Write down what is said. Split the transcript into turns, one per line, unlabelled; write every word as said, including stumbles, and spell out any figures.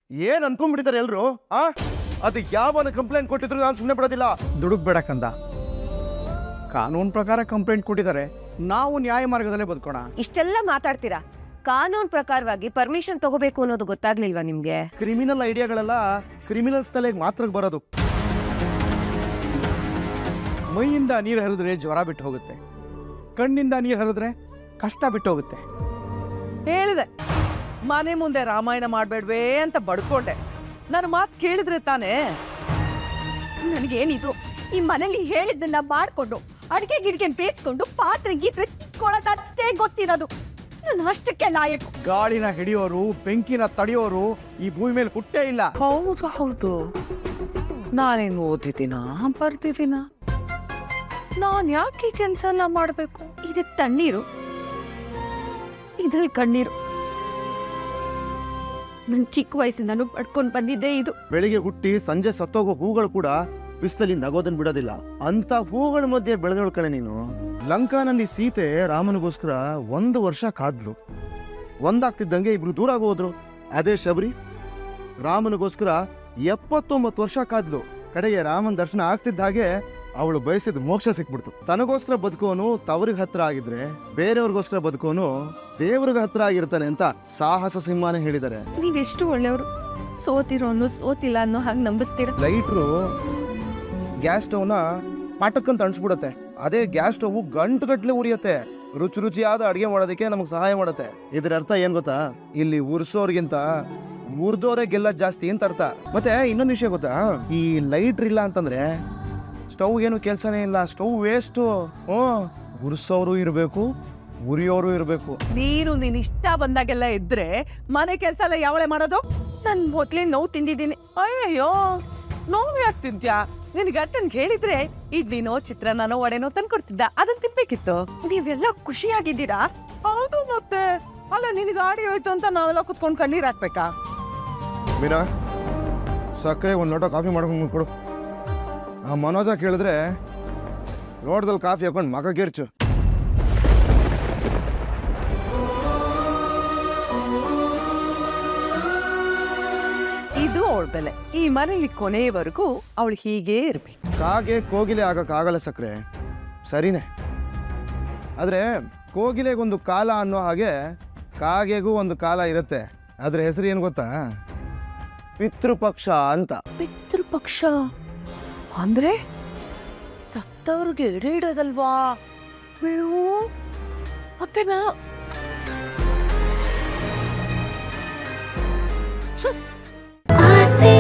ಏನ್ ಅನ್ಕೊಂಡ್ಬಿಟ್ಟಿದ್ದಾರೆ ಎಲ್ರು ಆ ಅದು ಯಾವನ ಕಂಪ್ಲೇಂಟ್ ಕೊಟ್ಟಿದ್ರು ನಾನು ಸುಮ್ಮನೆ ಬಿಡೋದಿಲ್ಲ.
ದುಡುಕ್ಬೇಡ ಕಂದ. ಕಾನೂನು ಪ್ರಕಾರ ಕಂಪ್ಲೇಂಟ್ ಕೊಟ್ಟಿದ್ದಾರೆ, ನಾವು ನ್ಯಾಯ ಮಾರ್ಗದಲ್ಲೇ ಬದುಕೋಣ.
ಇಷ್ಟೆಲ್ಲ ಮಾತಾಡ್ತೀರಾ, ಕಾನೂನು ಪ್ರಕಾರವಾಗಿ ಪರ್ಮಿಷನ್ ತಗೋಬೇಕು ಅನ್ನೋದು ಗೊತ್ತಾಗ್ಲಿಲ್ವಾ ನಿಮ್ಗೆ?
ಕ್ರಿಮಿನಲ್ ಐಡಿಯಾಗಳೆಲ್ಲ ಕ್ರಿಮಿನಲ್ಸ್ ತಲೆಗೆ ಮಾತ್ರ ಬರೋದು.
ಮೈಯಿಂದ ನೀರು ಹರಿದ್ರೆ ಜ್ವರ ಬಿಟ್ಟು ಹೋಗುತ್ತೆ, ಕಣ್ಣಿಂದ ನೀರು ಹರಿದ್ರೆ ಕಷ್ಟ ಬಿಟ್ಟು ಹೋಗುತ್ತೆ.
ಹೇಳಿದೆ ಮನೆ ಮುಂದೆ ರಾಮಾಯಣ ಮಾಡಬೇಡ್ವೇ ಅಂತ ಬಡ್ಕೊಂಡೆ. ನನ್ನ ಮಾತು ಕೇಳಿದ್ರೆ ತಾನೇ.
ನನಗೇನಿದ್ರು ಈ ಮನೇಲಿ ಹೇಳಿದ್ದನ್ನ ಮಾಡ್ಕೊಂಡು ಅಡಿಗೆ ಗಿಡಿಗೆ ಬೇಯಿಸ್ಕೊಂಡು ಪಾತ್ರೆ ಗೀತ್ರೆ ಕೊಳತಷ್ಟೇ ಗೊತ್ತಿರೋದು. ನಾನು ಅಷ್ಟಕ್ಕೆ ಲಾಯಕು.
ಗಾಳಿನ ಹಿಡಿಯೋರು, ಬೆಂಕಿನ ತಡೆಯೋರು ಈ ಭೂಮಿ ಮೇಲೆ ಹುಟ್ಟೇ ಇಲ್ಲ.
ಹೌದು ಹೌದು, ನಾನೇನು ಓದಿದ್ದೀನ ಬರ್ತಿದ್ದೀನ? ನಾನು ಯಾಕೆ ಕೆಲಸ ಎಲ್ಲ ಮಾಡಬೇಕು?
ಇದಕ್ಕೆ ತಣ್ಣೀರು, ಇದ್ರಲ್ಲಿ ಕಣ್ಣೀರು. ನನ್ ಚಿಕ್ಕ ವಯಸ್ಸಿಂದನೂ ಪಡ್ಕೊಂಡು ಬಂದಿದ್ದೆ ಇದು.
ಬೆಳಿಗ್ಗೆ ಹುಟ್ಟಿ ಸಂಜೆ ಸತ್ತೋಗೋ ಹೂಗಳು ಕೂಡ ಬಿಸಿಲಲ್ಲಿ ನಗೋದನ್ ಬಿಡೋದಿಲ್ಲ. ಅಂತ ಹೂಗಳ ಮಧ್ಯೆ ಬೆಳೆದೋಳ್ ಕಣೆ ನೀನು. ಲಂಕಾನಲ್ಲಿ ಸೀತೆ ರಾಮನಿಗೋಸ್ಕರ ಒಂದು ವರ್ಷ ಕಾದ್ಲು. ಒಂದಾಗ್ತಿದ್ದಂಗೆ ಇಬ್ರು ದೂರ ಹೋದ್ರು. ಅದೇ ಶಬರಿ ರಾಮನಿಗೋಸ್ಕರ ಎಪ್ಪತ್ತೊಂಬತ್ತು ವರ್ಷ ಕಾದ್ಲು. ಕಡೆಗೆ ರಾಮನ ದರ್ಶನ ಆಗ್ತಿದ್ದ ಹಾಗೆ ಅವಳು ಬಯಸಿದ ಮೋಕ್ಷ ಸಿಕ್ಬಿಡ್ತು. ತನಗೋಸ್ಕರ ಬದುಕೋನು ತವರಿಗೆ ಹತ್ರ ಆಗಿದ್ರೆ ಬೇರೆಯವ್ರಿಗೋಸ್ಕರ ಬದುಕೋನು ದೇವ್ರಿಗೆ ಹತ್ರ ಆಗಿರ್ತಾನೆ ಅಂತ ಸಾಹಸ ಸಿಂಹನೇ ಹೇಳಿದ್ದಾರೆ.
ನೀವೆಷ್ಟು ಒಳ್ಳೆಯವರು. ಸೋತಿರೋನು ಸೋತಿಲ್ಲ ಅನ್ನೋ ಹಾಗೆ ನಂಬಿಸ್ತೀರ.
Lighter gas ಸ್ಟವ್ನ ಪಾಟಕ್ಕಂತ ಅಣಿಸ್ಬಿಡತ್ತೆ. ಅದೇ ಗ್ಯಾಸ್ ಸ್ಟವ್ ಗಂಟು ಗಟ್ಲೆ ಉರಿಯತ್ತೆ. ರುಚಿ ರುಚಿಯಾದ ಅಡಿಗೆ ಮಾಡೋದಕ್ಕೆ ನಮಗೆ ಸಹಾಯ ಮಾಡುತ್ತೆ. ಇದರ ಅರ್ಥ ಏನ್ ಗೊತ್ತಾ? ಇಲ್ಲಿ ಉರ್ಸೋರ್ಗಿಂತ ಉರ್ದೋರೆ ಗೆಲ್ಲ ಜಾಸ್ತಿ ಅಂತ ಅರ್ಥ. ಮತ್ತೆ ಇನ್ನೊಂದು ವಿಷಯ ಗೊತ್ತಾ? ಈ ಲೈಟ್ರ್ ಇಲ್ಲ ಅಂತಂದ್ರೆ ಸ್ಟವ್ ಏನು ಕೆಲ್ಸನೇ ಇಲ್ಲ. Stove waste. ಹ್ಞೂ, ಉರ್ಸೋರು ಇರಬೇಕು, ಉರಿಯೋರು ಇರಬೇಕು.
ನೀನು ನೀನ್ ಇಷ್ಟ ಬಂದಾಗೆಲ್ಲ ಇದ್ರೆ ಮನೆ ಕೆಲಸ ಎಲ್ಲ ಯಾವಳೆ ಮಾಡೋದು?
ನನ್ ಮೊದ್ಲೇ ನೋವು ತಿಂದಿದ್ದೀನಿ.
ಅಯ್ಯಯ್ಯೋ, ನೋವು ಯಾಕೆ ತಿಂತ್ಯಾ? ನಿನ್ ಗಂಟನ್ ಹೇಳಿದ್ರೆ ಇಡ್ಲಿನೋ ಚಿತ್ರಾನ್ನನೋ ವಡೆನೋ ತಂದ್ಕೊಡ್ತಿದ್ದ, ಅದನ್ನ ತಿನ್ಬೇಕಿತ್ತು.
ನೀವೆಲ್ಲ ಖುಷಿಯಾಗಿದ್ದೀರಾ?
ಹೌದು ಮತ್ತೆ. ಅಲ್ಲ, ನಿನ್ ಗಾಡಿ ಹೋಯ್ತು ಅಂತ ನಾವೆಲ್ಲ ಕುತ್ಕೊಂಡ್ ಕಣ್ಣೀರ್ ಹಾಕ್ಬೇಕಾ?
ಮೀನಾ, ಸಕ್ಕರೆ ಒಂದು ಲೋಟ ಕಾಫಿ ಮಾಡ್ಕೊಂಡು ಕೊಡು. ಆ ಮನೋಜ ಕೇಳಿದ್ರೆ ಲೋಟದಲ್ಲಿ ಕಾಫಿ ಹಾಕೊಂಡು ಮಗ ಗೆರ್ಚು.
ಇದು ಅವಳ ಬೆಲೆ. ಈ ಮನೇಲಿ ಕೊನೆಯವರೆಗೂ ಅವಳು ಹೀಗೇ ಇರ್ಬೇಕು.
ಕಾಗೆ ಕೋಗಿಲೆ ಆಗಕ್ಕಾಗಲ್ಲ ಸಕ್ಕರೆ, ಸರಿನೇ. ಆದರೆ ಕೋಗಿಲೆಗೊಂದು ಕಾಲ ಅನ್ನೋ ಹಾಗೆ ಕಾಗೆಗೂ ಒಂದು ಕಾಲ ಇರುತ್ತೆ. ಅದ್ರ ಹೆಸರು ಏನು ಗೊತ್ತಾ? ಪಿತೃಪಕ್ಷ ಅಂತ.
ಪಿತೃಪಕ್ಷ ಅಂದ್ರೆ ಸತ್ತವ್ರಿಗೆ ಎಡೆ ಇಡೋದಲ್ವಾ? ಮತ್ತೆನಾ?
ಆಸೆ